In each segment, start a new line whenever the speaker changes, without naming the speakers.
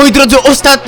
Moi drodzy,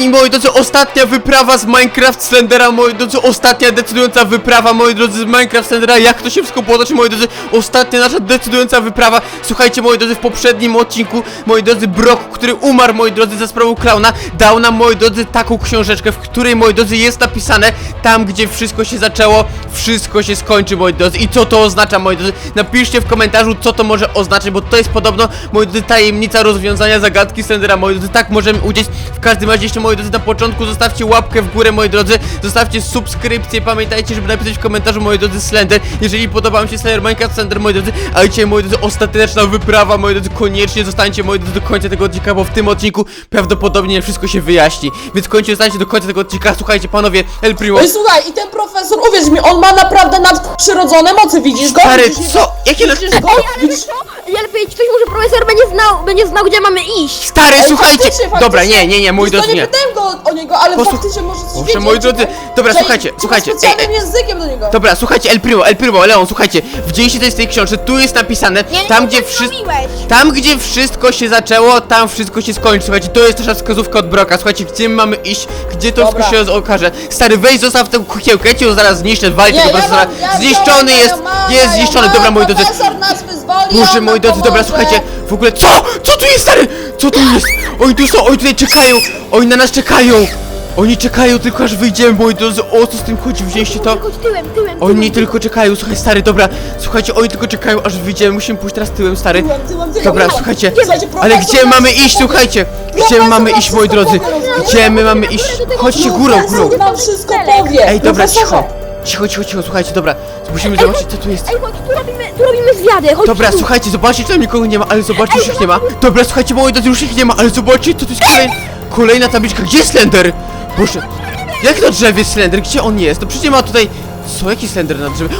ostatnia wyprawa z Minecraft Slendera, moi drodzy, ostatnia decydująca wyprawa, moi drodzy, z Minecraft Slendera. Jak to się wszystko potoczy, moi drodzy, ostatnia nasza decydująca wyprawa. Słuchajcie, moi drodzy, w poprzednim odcinku, moi drodzy, Brock, który umarł, moi drodzy, za sprawą klauna, dał nam, moi drodzy, taką książeczkę, w której, moi drodzy, jest napisane: tam, gdzie wszystko się zaczęło, wszystko się skończy, moi drodzy. I co to oznacza, moi drodzy? Napiszcie w komentarzu, co to może oznaczać, bo to jest podobno, moi drodzy, tajemnica rozwiązania zagadki Slendera, moi drodzy. Tak możemy udzieć. W każdym razie jeszcze, moi drodzy, na początku zostawcie łapkę w górę, moi drodzy, zostawcie subskrypcję, pamiętajcie, żeby napisać w komentarzu, moi drodzy, Slender, jeżeli podoba wam się Slender, Minecraft Slender, moi drodzy. A dzisiaj, moi drodzy, ostateczna wyprawa, moi drodzy, koniecznie zostańcie, moi drodzy, do końca tego odcinka, bo w tym odcinku prawdopodobnie wszystko się wyjaśni, więc koniecznie zostańcie do końca tego odcinka. Słuchajcie, panowie, El Primo.
Ej, słuchaj, i ten profesor, uwierz mi, on ma naprawdę nadprzyrodzone mocy, widzisz go?
Stary,
Widzisz
co? Jakie
Widzisz go?
Ale wiesz co? Ja lepiej ktoś może profesor będzie znał, gdzie mamy iść.
Stary,
Ej,
słuchajcie!
faktycznie.
Dobra, nie, moi
Wiesz co,
drodzy,
nie
nie.
pytałem go o niego, ale faktycznie może coś
Proszę,
wiedzieć,
moi drodzy,
nie?
dobra,
Że-
słuchajcie,
że
słuchajcie,
specjalnym językiem do niego.
Dobra, słuchajcie, El Primo, Leon, słuchajcie, widzieliście coś z tej książce, tu jest napisane, tam gdzie tam gdzie wszystko się zaczęło, tam wszystko się skończy, słuchajcie, to jest nasza wskazówka od Broka, słuchajcie, gdzie my mamy iść, gdzie to
Dobra.
wszystko się okaże. Stary, weź, zostaw tę kukiełkę, ja cię zaraz zniszczę, walcie tego profesora, zniszczony jest zniszczony, dobra, moi drodzy.
Profesor nas wyzwoli,
Boże,
on
moi
nam
drodzy, dobra,
pomoże.
słuchajcie, w ogóle, co tu jest, stary, co tu jest, oni tu są, oni tutaj czekają, oni na nas czekają. Oni czekają tylko aż wyjdziemy, moi drodzy, o co z tym chodzi, wzięliście to?
Chodź tyłem.
Oni tylko czekają, słuchaj, stary, dobra, słuchajcie, oni tylko czekają aż wyjdziemy, musimy pójść teraz tyłem, stary.
Tyłem.
Dobra, słuchajcie,
Słuchajcie,
ale
profesor
gdzie
nas
mamy
wszystko
iść,
powie.
słuchajcie? Gdzie
Profesor
mamy
nam
iść, moi
wszystko
drodzy?
powie.
Gdzie my mamy iść? Chodźcie górą.
Profesor nam wszystko powie.
Ej, dobra,
Profesorze.
cicho, słuchajcie, dobra, musimy zobaczyć, co tu jest.
Ej, chodź, tu robimy zwiady, chodź
Dobra,
tu.
słuchajcie, zobaczcie, czy tam nikogo nie ma, ale zobaczcie, już ich nie ma. Dobra, słuchajcie, moi drodzy, już ich nie ma, ale zobaczcie, co to jest kolejna tabliczka. Gdzie jest Slender? Boże, jak na drzewie jest Slender? Gdzie on jest? No przecież nie ma tutaj... Co? Jaki Slender na drzewie?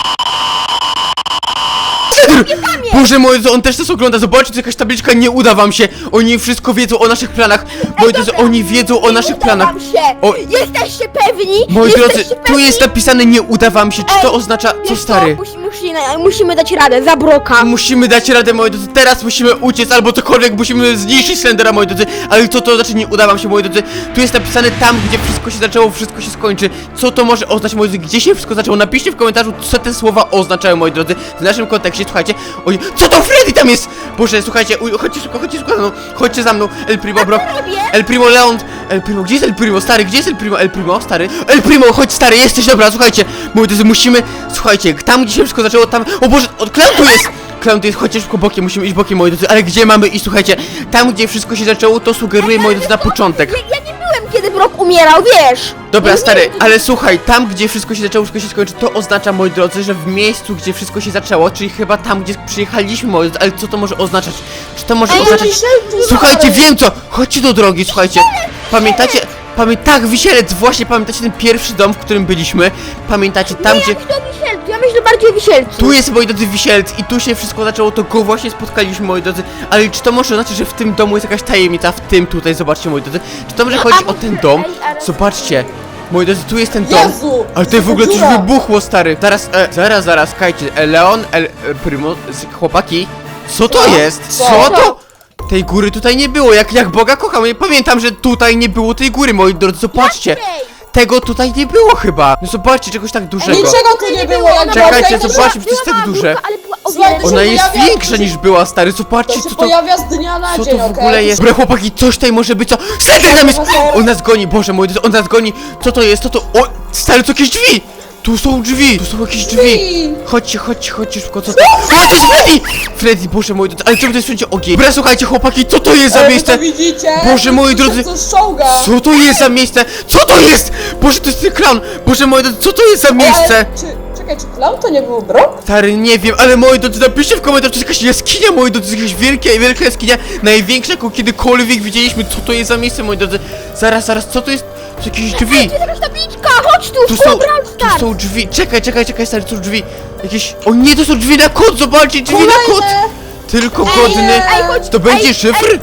Boże moi drodzy, on też nas ogląda, zobaczcie, to jakaś tabliczka, nie uda wam się. Oni wszystko wiedzą o naszych planach. Moi drodzy, oni wiedzą o naszych planach. O,
Jesteście pewni?
moi drodzy,
Jesteście
tu
pewni?
jest napisane nie uda wam się. Czy to oznacza... Co,
Wiesz
stary?
Musimy dać radę, za Broka.
Musimy dać radę, moi drodzy, teraz musimy uciec, albo cokolwiek, musimy zniszczyć Slendera, moi drodzy. Ale co to znaczy nie uda wam się, moi drodzy? Tu jest napisane tam, gdzie wszystko się zaczęło, wszystko się skończy. Co to może oznaczać, moi drodzy? Gdzie się wszystko zaczęło? Napiszcie w komentarzu, co te słowa oznaczają, moi drodzy. W naszym kontekście, słuchajcie. Oj, co to Freddy tam jest? Boże, słuchajcie, chodźcie szybko, chodźcie za mną. El Primo, Brock, El Primo, Leon. El Primo, gdzie jest El Primo, stary? Gdzie jest El Primo? El Primo, stary. El Primo, chodź, stary, jesteś, dobra, słuchajcie. Moi drodzy, musimy, słuchajcie, tam, gdzie się wszystko zaczęło, tam... O Boże, klaun tu jest! Klaun tu jest, chodźcie szybko bokiem, musimy iść bokiem, moi drodzy. Ale gdzie mamy iść, słuchajcie? Tam, gdzie wszystko się zaczęło, to sugeruje, moi drodzy, na początek.
Ja nie byłem, kiedy Brock umierał, wiesz.
Dobra,
Ja
stary,
nie wiem,
ale słuchaj, tam, gdzie wszystko się zaczęło, wszystko się skończy, to oznacza, moi drodzy, że w miejscu, gdzie wszystko się zaczęło, czyli chyba tam, gdzie przyjechaliśmy, moi drodzy, ale co to może oznaczać? Czy to może oznaczać... Słuchajcie, wiem co! Chodźcie do drogi, słuchajcie. Pamiętacie? Tak, Wisielec, właśnie pamiętacie ten pierwszy dom, w którym byliśmy? Pamiętacie tam, gdzie...
Ja myślę bardziej o Wisielcu.
Tu jest, moi drodzy, Wisielec i tu się wszystko zaczęło, to go właśnie spotkaliśmy, moi drodzy. Ale czy to może oznaczać, że w tym domu jest jakaś tajemnica? W tym tutaj, zobaczcie, moi drodzy. Czy to może chodzić o ten dom? Zobaczcie. Moi drodzy, tu jest ten dom.
Jezu,
Ale tutaj w ogóle coś
dziura.
wybuchło, stary. Zaraz, kajcie. Leon, Primo, chłopaki. Co to jest? Co to? Tej góry tutaj nie było, jak Boga kocham. Ja pamiętam, że tutaj nie było tej góry, moi drodzy, zobaczcie. Tego tutaj nie było chyba. No zobaczcie, czegoś tak dużego.
Niczego tu nie było, jak
Czekajcie,
była
zobaczcie, przecież jest tak duże.
Słuchaj, to
Ona
się
jest
pojawia-
większa niż była, stary,
To
zobaczcie,
się
co to...
pojawia z dnia na
Co
dzień,
to w
okej?
ogóle jest? Dobra, chłopaki, coś tutaj może być, co? Slender tam jest! On nas goni, Boże mój, on nas goni! Co to jest? O, stary, to jakieś drzwi! Tu są drzwi! Tu są jakieś drzwi! Chodźcie, szybko, co to? O, to jest Freddy! Freddy, Boże mój, ale czemu to jest wszędzie ogień? Dobra, słuchajcie, chłopaki, co to jest za
Ej, wy
miejsce?
to widzicie?
Boże moi drodzy!
Co ściąga?
Co to jest za miejsce? Co to jest? Boże, to jest ten klaun! Boże moi drodzy, co to jest za miejsce?
Czekaj, czy klaun to nie był Brock?
Stary, nie wiem, ale moi drodzy, napiszcie w komentarzu, to jest jakaś jaskinia, moi drodzy, to jest jakaś wielka jaskinia, największa, jaką kiedykolwiek widzieliśmy, co to jest za miejsce, moi drodzy. Zaraz, co to jest? To są jakieś drzwi.
Jest jakaś tabliczka, chodź tu,
Tu są drzwi, czekaj, stary, to są drzwi. Jakieś, o nie, to są drzwi na kod, zobaczcie, drzwi na kod. Tylko godny, to będzie szyfr?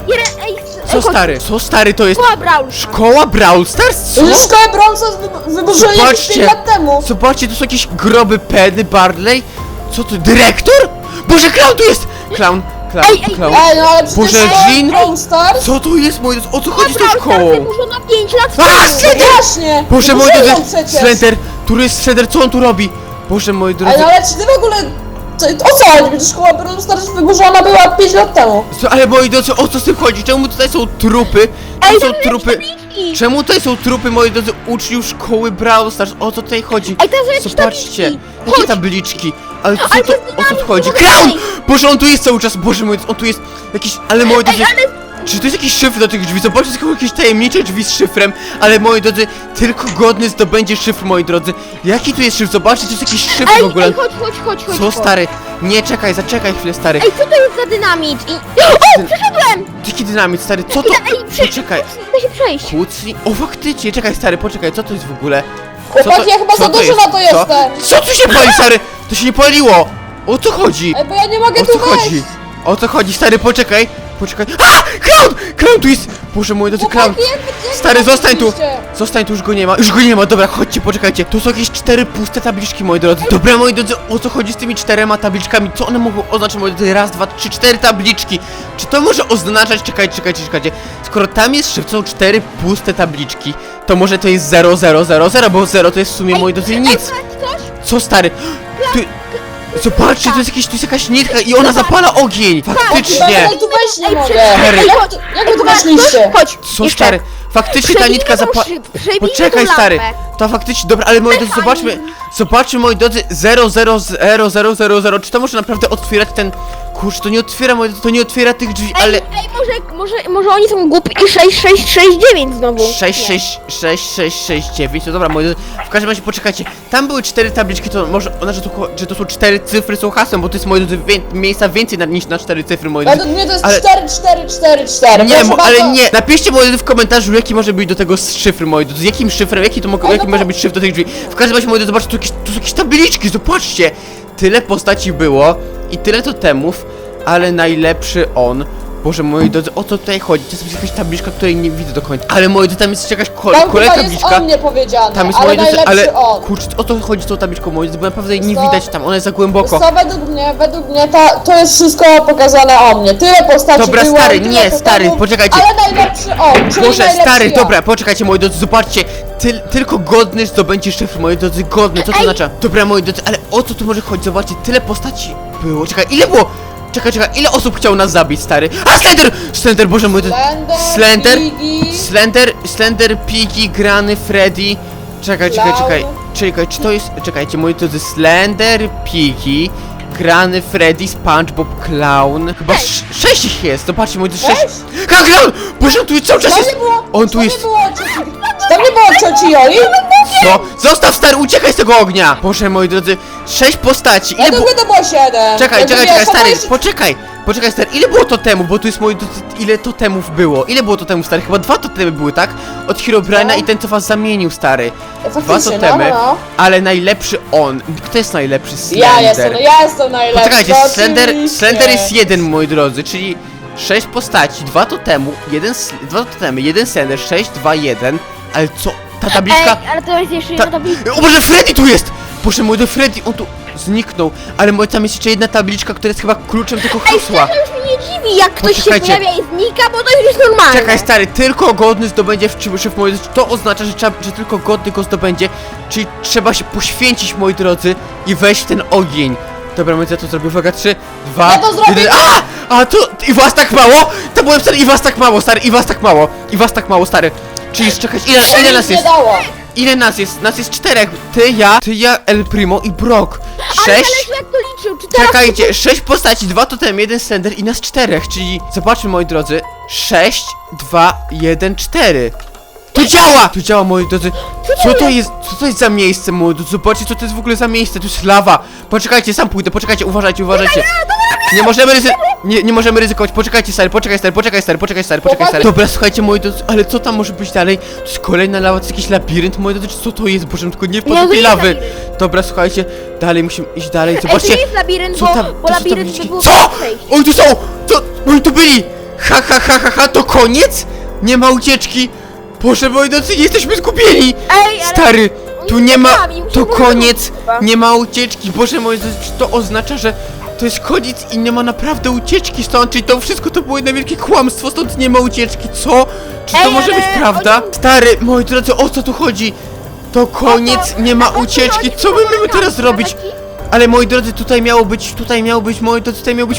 Co stary to jest? Szkoła Brawl Stars? Co?
Szkołę brązo wyburzyli jakieś 5 lat temu.
Zobaczcie, to są jakieś groby Penny, Barley. Co to, dyrektor? Boże, klaun tu jest! Klaun, Clown.
Ej, no ale przecież
Boże,
to
Jean?
Brawl Stars?
Co to jest, moi drodzy? O co chodzi z tą
Brawl
szkołą?
Stars wyburzono 5 lat
A,
temu.
Slender!
Właśnie!
Boże, moi
Wyburzyło
drodzy,
przecież.
Slender, który jest Slender, co on tu robi? Boże, moi
Ej,
drodzy.
no ale czy ty w ogóle... O co chodzi? Przecież szkoła Brawl Stars wyburzona była 5 lat temu.
Ale moi drodzy, o co z tym chodzi? Czemu tutaj są trupy?
Ej,
Tu są
to
trupy.
tabliczki.
Czemu tutaj są trupy, moi drodzy, uczniów szkoły Brawl Stars? O co tutaj chodzi?
Ej, to są jakieś
Zobaczcie,
tabliczki.
jakie
Chodź.
tabliczki? Ale co
Ale
to,
to jest
o co tu
dynamit,
chodzi?
to
Clown!
jest-
Boże, on tu jest cały czas, Boże mój, on tu jest jakiś, ale moi drodzy,
ale...
czy to jest jakiś szyfr do tych drzwi? Zobaczcie, są jakieś tajemnicze drzwi z szyfrem, ale moi drodzy, tylko godny zdobędzie szyfr, moi drodzy. Jaki tu jest szyfr? Zobaczcie, to jest jakiś szyfr w ogóle.
Ej, chodź.
Co, stary? Nie, czekaj, zaczekaj chwilę, stary.
Ej, co to jest za dynamit? O, przeszedłem!
Jaki dynamit, stary, co to?
Ej,
Poczekaj.
Da się przejść.
Kłócni? O, faktycznie, czekaj, stary, poczekaj, co to jest w ogóle?
Chłopaki, ja chyba
co
za
to
dużo
jest?
na to jestem.
Co tu się pali, stary? To się nie paliło! O co chodzi?
Ej, bo ja nie mogę
O
tu
co
wejść.
chodzi? O co chodzi, stary, poczekaj! Poczekaj. A! Clown! Clown tu jest! Boże mój, drodzy, clown!
Chłopaki, jak
Stary, zostań tu!
oczywiście.
Zostań tu, już go nie ma, już go nie ma, dobra, chodźcie, poczekajcie. Tu są jakieś 4 puste tabliczki, moi drodzy. Dobra, moi drodzy, o co chodzi z tymi 4 tabliczkami? Co one mogą oznaczać, moi drodzy? Raz, dwa, trzy, 4 tabliczki. Czy to może oznaczać, czekajcie. Skoro tam jest szyfr, są 4 puste tabliczki, to może to jest 0000, bo 0 to jest w sumie, moi drodzy, nic.
Ej, coś?
Co, stary? Tu... Zobaczcie, tu jest jakaś nitka i ona zapala ogień! Faktycznie!
Ja tu wejść nie
Ej,
mogę.
Stary.
Jak wy tu weszliście?
Chodź,
Co,
jeszcze.
stary? Faktycznie ta
Przebijmy
nitka
tą
zapala...
przebijmy tą
Poczekaj, stary!
lampę.
To faktycznie, dobra, ale moi drodzy, zobaczmy, moi drodzy, 00000, czy to może naprawdę otwierać ten... Kurczę, to nie otwiera, moi drodzy, to nie otwiera tych drzwi, ale...
Ej, może oni są głupi i 6669 znowu.
66669, to dobra, moi drodzy, w każdym razie poczekajcie, tam były 4 tabliczki, to może ona, że to są 4 cyfry są hasłem, bo to jest, moi drodzy, miejsca więcej niż na 4 cyfry, moi drodzy.
Według mnie to jest
Ale-
4444.
Nie,
Proszę
ale
bardzo.
nie! Napiszcie moi drodzy w komentarzu, jaki może być do tego szyfr, moi drodzy. Jakim szyfrem, jaki może być szyfr do tych drzwi. W każdym razie, moi drodzy, zobaczcie, tu są jakieś tabliczki, zobaczcie! Tyle postaci było i tyle totemów, ale najlepszy on. Boże, moi drodzy, o co tutaj chodzi? To jest jakaś tabliczka, której nie widzę do końca. Ale moi drodzy, tam jest jakaś
Tam
kolejna
chyba jest
tabliczka.
o mnie powiedziane,
Tam jest,
ale
moi drodzy,
najlepszy
ale...
on.
Kurczę, o co chodzi z tą tabliczką, moi drodzy, bo naprawdę jej nie
Co?
widać tam, ona jest za głęboko.
Co według mnie to jest wszystko pokazane o mnie. Tyle postaci
Dobra,
było,
stary,
tyle
nie,
totemów,
stary, poczekajcie.
Ale najlepszy on, czyli
Boże,
najlepszy
stary,
ja.
dobra, poczekajcie, moi drodzy, zobaczcie. Tylko godny zdobędzie szyfr, moi drodzy, godny, co to oznacza? Dobra, moi drodzy, ale o co tu może chodzić? Zobaczcie, tyle postaci było. Czekaj, ile było? Czekaj, ile osób chciało nas zabić, stary? A, Slender! Slender, Boże, moi drodzy. Slender, Piggy, Grany, Freddy. Czekaj, czy to jest... Czekajcie, moi drodzy, Slender, Piggy, Grany, Freddy, SpongeBob, Clown. Chyba 6 ich jest, zobaczcie, moi drodzy, 6.
Sześć?
Ha, Clown! Boże, on tu cały czas
Tam
jest!
nie było,
On tu
tam
jest...
nie było cioci, tam nie było cioci Joli?
Co? Zostaw, stary, uciekaj z tego ognia! Boże, moi drodzy, 6 postaci, ile
Według mnie to było 7.
Czekaj,
Ja
stary,
jeszcze-
poczekaj, stary, ile było totemu, bo tu jest moi drodzy, ile totemów było? Ile było totemów, stary? Chyba 2 totemy były, tak? Od Herobrine'a
No.
i ten, co was zamienił, stary. 2
Faktycznie,
totemy,
no.
ale najlepszy on. Kto jest najlepszy?
Ja
Slender.
jestem najlepszy.
Poczekajcie,
oczywiście.
Slender jest 1, moi drodzy, czyli 6 postaci, 2 totemu, 2 totemy, 1 Slender, 6, 2, 1. Ale co? Ta tabliczka...
Ej, ale to jest jeszcze jedna tabliczka.
O Boże, Freddy tu jest! Boże, mój do Freddy, on tu zniknął. Ale moi, tam jest jeszcze jedna tabliczka, która jest chyba kluczem tego hasła.
To już mnie nie dziwi, jak ktoś się
Poczekajcie.
pojawia i znika, bo to już jest normalne.
Czekaj, stary, tylko godny zdobędzie szyfr, moi drodzy. To oznacza, że tylko godny go zdobędzie. Czyli trzeba się poświęcić, moi drodzy, i wejść w ten ogień. Dobra, moi drodzy, ja to zrobię. Uwaga, 3, 2,
Ja to zrobię.
1. A to i was tak mało? To byłem stary, i was tak mało, stary, i was tak mało, stary. Czyli czekać, ile nas
Nic nie
jest?
dało.
Ile nas jest? Nas jest 4. Ty, ja, El Primo i Brock.
Ale
6.
zależy jak to liczył, czy teraz...
Czekajcie, 6 postaci, 2 totem, 1 Slender i nas 4, czyli zobaczmy, moi drodzy. 6, 2, 1, 4. To działa! To działa, moi drodzy. Co to jest za miejsce, moi drodzy? Zobaczcie, co to jest w ogóle za miejsce. To jest lawa. Poczekajcie, sam pójdę, poczekajcie, uważajcie. Nie możemy ryzykować. Poczekaj, stary. Dobra, słuchajcie, moi drodzy, ale co tam może być dalej? To jest kolejna lawa, to jest jakiś labirynt, moi drodzy, co to jest? Boże, tylko nie wpadł
Nie,
do
to
tej
jest
lawy.
labirynt.
Dobra, słuchajcie, dalej musimy iść dalej.
Ej, to
Zobaczcie.
nie jest labirynt,
Co tam?
bo
to są
labirynt
tabliczki.
by było
Co?
przejść.
Oj, tu są! Oni tu byli! Ha, to koniec? Nie ma ucieczki! Boże, moi drodzy, jesteśmy zgubieni!
Ej, ale...
Stary, tu
oni
nie ma...
sami,
To
musimy
koniec!
chyba.
Nie ma ucieczki! Boże, moi drodzy, czy to oznacza, że To jest koniec i nie ma naprawdę ucieczki stąd, czyli to wszystko to było jedno wielkie kłamstwo, stąd nie ma ucieczki, co? Czy to
Ej,
może
ale
być prawda?
oni-
Stary, moi drodzy, o co tu chodzi? To koniec, nie ma ucieczki, co my mamy teraz zrobić? Ale moi drodzy, tutaj miało być, moi drodzy, tutaj miał być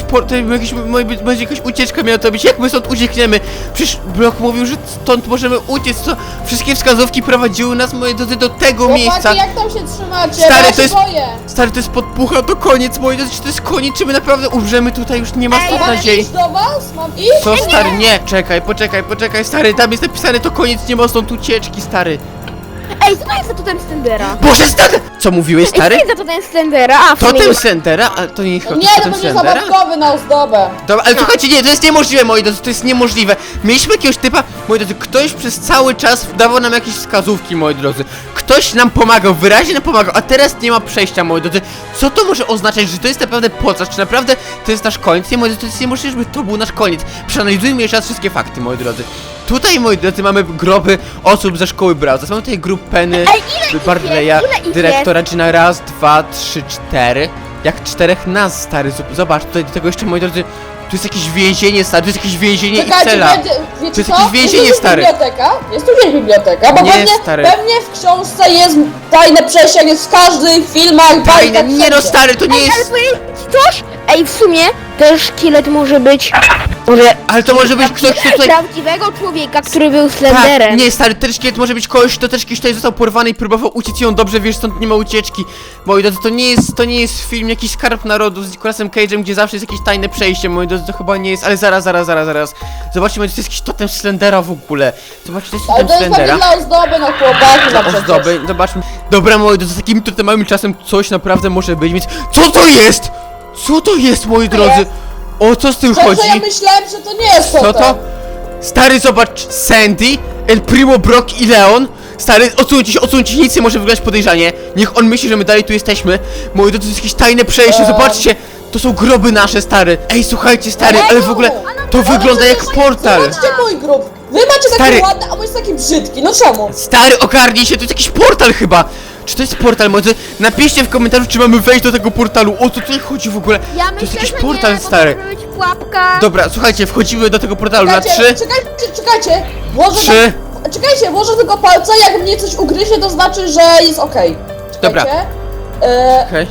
będzie jakaś ucieczka miała to być, jak my stąd uciekniemy? Przecież Blok mówił, że stąd możemy uciec, co? Wszystkie wskazówki prowadziły nas, moi drodzy, do tego miejsca.
Chłopaki, jak tam się trzymacie?
Stary,
Bo ja
to
się
jest-
boję.
Stary, to jest podpucha, to koniec, moi drodzy, czy to jest koniec, czy my naprawdę umrzemy tutaj, już nie ma stąd
Mam
nadziei.
iść do was? Mam iść?
Co, stary, nie, czekaj, poczekaj, stary, tam jest napisane, to koniec, nie ma stąd ucieczki, stary.
Ej, co to jest za totem Slendera?
Boże, stary! Co mówiłeś,
Ej, co
stary?
jest za totem Slendera? A, w sumie
Totem Slendera? A to nie jest chyba
Nie, to
totem
będzie
Slendera?
zabawkowy na ozdobę.
Dobra, ale słuchajcie, nie, to jest niemożliwe, moi drodzy, to jest niemożliwe. Mieliśmy jakiegoś typa, moi drodzy, ktoś przez cały czas dawał nam jakieś wskazówki, moi drodzy. Ktoś nam pomagał, wyraźnie nam pomagał, a teraz nie ma przejścia, moi drodzy. Co to może oznaczać, że to jest naprawdę podczas, czy naprawdę to jest nasz koniec? Nie, moi drodzy, to jest niemożliwe, żeby to był nasz koniec. Przeanalizujmy jeszcze raz wszystkie fakty, moi drodzy. Tutaj, moi drodzy, mamy groby osób ze szkoły Brawza. Mamy tutaj grup Penny,
Ej, ile ich
Barleya,
jest? Ile ich
dyrektora, czy na raz, dwa, trzy, cztery. Jak czterech nas, stary, zobacz, tutaj do tego jeszcze, moi drodzy, tu jest jakieś więzienie, stary, tu jest jakieś więzienie i
Czekajcie,
cela.
wiecie
To jest
co?
jakieś więzienie,
jest tu
stary.
biblioteka? Jest tu gdzieś biblioteka, bo
Nie,
pewnie,
stary.
pewnie w książce jest tajne przejście, jak jest w każdych filmach,
Fajne,
bajkach,
nie no,
wszędzie.
stary, to nie
Ej, ale
jest...
powiem ci coś? Ej, w sumie też szkielet może być... Może...
Ale to może być ktoś, kto tutaj...
Prawdziwego człowieka, który był
Tak,
Slenderem.
nie, stary, ten szkielet może być kogoś, kto też kiedyś tutaj został porwany i próbował uciec i on dobrze wiesz, stąd nie ma ucieczki. Moi drodzy, to nie jest film, jakiś Skarb Narodu z Nicolasem Cage'em, gdzie zawsze jest jakieś tajne przejście, moi drodzy, to chyba nie jest, ale zaraz. Zobaczcie, moi drodzy, to jest jakiś totem Slendera w ogóle. Zobaczcie, to jest
Ale
totem
to jest pewnie
Slendera.
dla ozdoby na chłopaki na przykład.
Ozdoby, zobaczmy. Dobra, moi drodzy, z takim totemowym czasem coś naprawdę może być, więc... Co to jest? Co to jest, moi drodzy? O co z tym
Szczerze,
chodzi?
ja myślałem, że to nie jest
Co
totem.
to? Stary, zobacz, Sandy, El Primo, Brock i Leon. Stary, odsuńcie się, nic nie może wyglądać podejrzanie. Niech on myśli, że my dalej tu jesteśmy. Moi drodzy, to jest jakieś tajne przejście, zobaczcie. To są groby nasze, stary. Ej, słuchajcie, stary, ale w ogóle to wygląda jak portal.
Zobaczcie mój grób. Wy macie
Stary.
taki ładny, a mój jest taki brzydki. No czemu?
Stary, ogarnij się, to jest jakiś portal chyba. Czy to jest portal, moi drodzy? Napiszcie w komentarzu, czy mamy wejść do tego portalu. O co tutaj chodzi w ogóle?
Ja
To
myślę,
jest jakiś
że
portal,
nie, bo
stary.
to może być pułapka.
Dobra, słuchajcie, wchodzimy do tego portalu na 3.
Czekajcie. Włożę
Trzy.
Czekajcie, włożę tylko palca, jak mnie coś ugryzie, to znaczy, że jest okej.
Dobra.
Czekajcie.
Okej.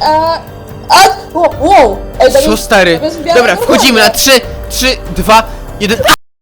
Wow. Ej, to
Co,
jest-
stary?
to jest w miarę
Dobra, wchodzimy na
normalne.
3, 2, 1.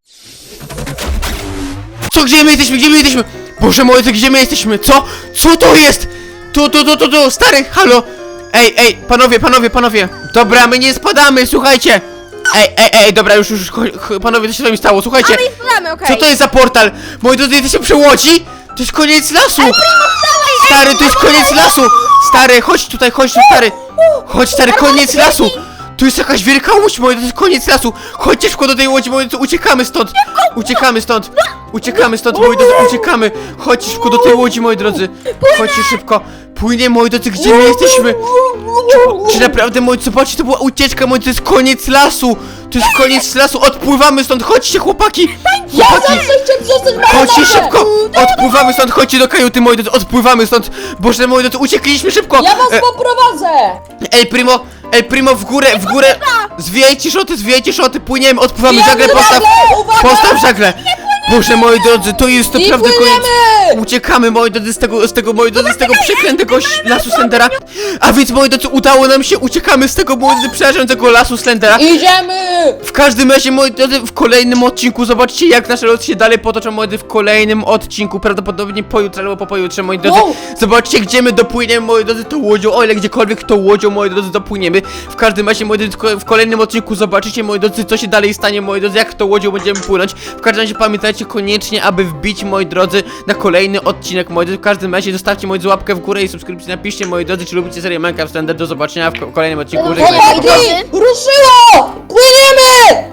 Co, gdzie my jesteśmy? Boże moi, gdzie my jesteśmy? Co to jest? Tu, stary, halo. Ej, panowie. Dobra, my nie spadamy, słuchajcie. Ej, dobra, już, panowie, co się z wami stało, słuchajcie.
A my ich podamy, okej.
Co to jest za portal? Moi drodzy, jesteście przy łodzi? To jest koniec lasu! Stary, to jest koniec lasu! Stary, chodź tutaj, stary! Chodź, stary, koniec lasu! Tu jest jakaś wielka łódź, moi drodzy, to jest koniec lasu! Chodźcie szybko do tej łodzi, moi drodzy, uciekamy stąd! Uciekamy stąd, moi drodzy, uciekamy! Chodźcie szybko do tej łodzi, moi drodzy! Chodźcie szybko! Płynie, moi drodzy, gdzie my jesteśmy? Czy naprawdę, moi, zobaczcie, to była ucieczka, moi, to jest koniec lasu! To jest koniec lasu, odpływamy stąd, chodźcie, chłopaki! Chłopaki!
Chcecie przestać
Chodźcie
marnować?
szybko! Odpływamy stąd, chodźcie do kajuty, moi drodzy, odpływamy stąd! Boże, moi drodzy, uciekliśmy szybko!
Ja was poprowadzę!
El Primo, w górę! Zwijajcie szoty, płyniemy, odpływamy,
Pijamy
żagle,
uwaga!
postaw żagle! Boże, moi drodzy, to jest
I
naprawdę koniec!
płyniemy!
Uciekamy, moi drodzy, z tego przeklętego lasu Slendera. A więc, moi drodzy, udało nam się, uciekamy z tego, moi drodzy, przerażającego lasu Slendera.
Idziemy!
W każdym razie, moi drodzy, w kolejnym odcinku zobaczcie, jak nasze losy się dalej potoczą, moi drodzy, w kolejnym odcinku, prawdopodobnie pojutrze albo po pojutrze, moi drodzy.
Wow.
Zobaczcie, gdzie my dopłyniemy, moi drodzy, tą łodzią, o ile gdziekolwiek tą łodzią, moi drodzy, dopłyniemy. W każdym razie, moi drodzy, w kolejnym odcinku zobaczycie, moi drodzy, co się dalej stanie, moi drodzy, jak tą łodzią będziemy płynąć. W każdym razie pamiętajcie koniecznie, aby wbić, moi drodzy, na kolejny odcinek, moi drodzy. W każdym razie zostawcie, moi drodzy, łapkę w górę i subskrypcję, napiszcie, moi drodzy, czy lubicie serię Minecraft Slender. Do zobaczenia w kolejnym odcinku. Żegnajcie.
Chłopaki! Ruszyło! Płyniemy!